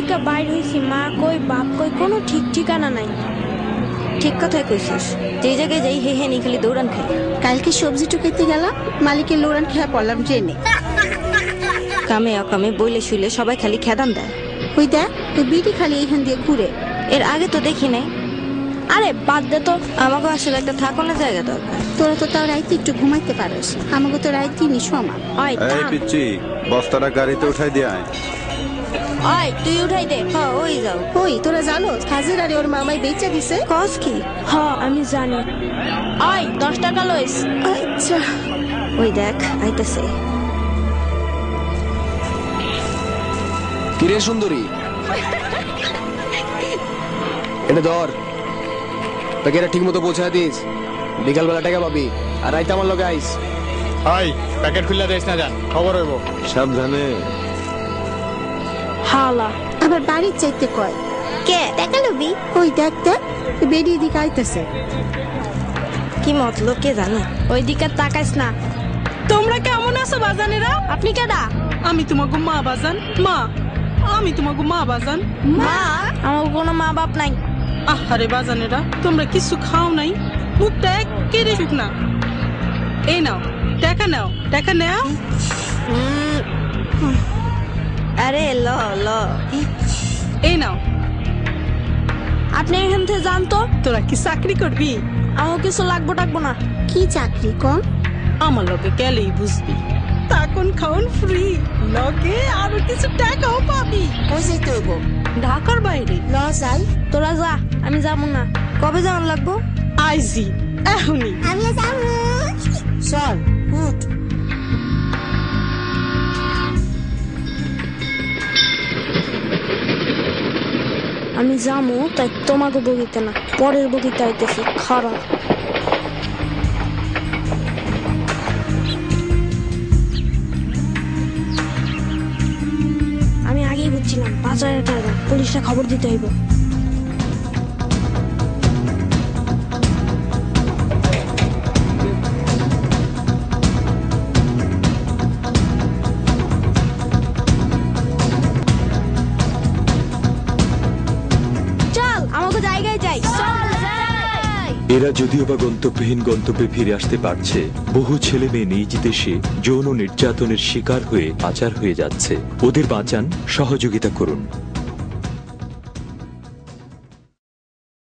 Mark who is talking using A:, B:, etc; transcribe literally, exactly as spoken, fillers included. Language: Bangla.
A: থেকে বাইর হইছি, মা কই বাপ কই কোনো ঠিক ঠিকানা নাই।
B: ঠিক কথাই কইছিস, যে জায়গায় যাই হে হে নি খালি দৌড়ান খাই।
C: কালকে সবজি টুকাইতে গেলাম, মালিকের লোরান খেয়া পড়লাম ট্রেনে।
B: কামে অকামে বইলে শুইলে সবাই খালি খেদান দেয়।
C: ওই দেখ ওই বিটি খালি এইখান দিয়ে ঘুরে।
B: এর আগে তো দেখি নাই।
A: আরে বাদ দে তো,
B: আমাকে আসলে একটা থাকানোর জায়গা দরকার।
C: তোরা তো তাও রাইতে একটু ঘুমাইতে পারস, আমাকে তো রাইতে নি সমান।
A: ওই
D: এই
A: থাম।
D: পিচ্ছি, বস্তাটা গাড়িতে উঠাই দিয়ে আয়।
A: ওই তুই উঠাই দে।
B: হ্যাঁ ওই যাও।
C: ওই তোরা জানো হাজির আরে ওর মামাই বেচা দিছে।
B: কস কি?
A: হ আমি জানি। ওই দশ টাকা লইস।
C: আচ্ছা
B: ওই দেখ আইতাছে।
E: কিরে সুন্দরী, এটা ধর, তাকে এটা ঠিক মতো পৌঁছায় দিস। বিকালবেলা টাকা পাবি, আর রাইতে আমার লগে আইস।
F: হাই প্যাকেট খুললা দেশ না যান, খবর হইব।
D: সাবধানে।
A: হালা
C: আবার বাড়ির চাইতে কয়
B: কে টাকা লবি?
C: ওই দেখ দেখ বেরিয়ে দিকে আইতেছে।
B: কি মতলব কে জানে?
A: ওই দিকে তাকাইস না।
G: তোমরা কেমন আছো বাজানেরা?
A: আপনি কেডা?
G: আমি তোমাকে মা বাজান। মা, আমি তোমাকে মা বাজান।
A: মা? আমার কোনো মা বাপ নাই।
G: আহারে বাজানেরা, তোমরা কিছু খাও নাই, মুখটা একেবারে শুকনা। এই নাও টাকা, নাও টাকা নাও।
B: আরে ল ল
G: এই নাও।
A: আপনি এখান থেকে যান তো।
G: তোরা কি চাকরি করবি?
A: আমার কিছু লাগবো টাকবো না।
C: কি চাকরি কম?
G: আমার লগে গেলেই বুঝবি। তখন খাওন ফ্রি, লগে আরো কিছু টাকাও পাবি।
C: কই যাইতে হইব?
G: ঢাকার বাইরে।
C: ল যাই।
A: তোরা যা, আমি যাবো না।
B: কবে যাওয়ার লাগবো?
G: আইজি এখনই।
C: আমিও যাবো। চল উঠ।
A: আমি যাবো, তাই তোমাকে বগিতে না, পরের বগিতে আইতেছি। খারাপ আমি আগেই বুঝছিলাম বাজারের টাকা পুলিশে খবর দিতে হইব। চল আমাকে জায়গায় যাই।
H: এরা যদিও বা গন্তব্যহীন গন্তব্যে ফিরে আসতে পারছে, বহু ছেলে মেয়ে নিজ দেশে যৌন নির্যাতনের শিকার হয়ে পাচার হয়ে যাচ্ছে। ওদের বাঁচান, সহযোগিতা করুন।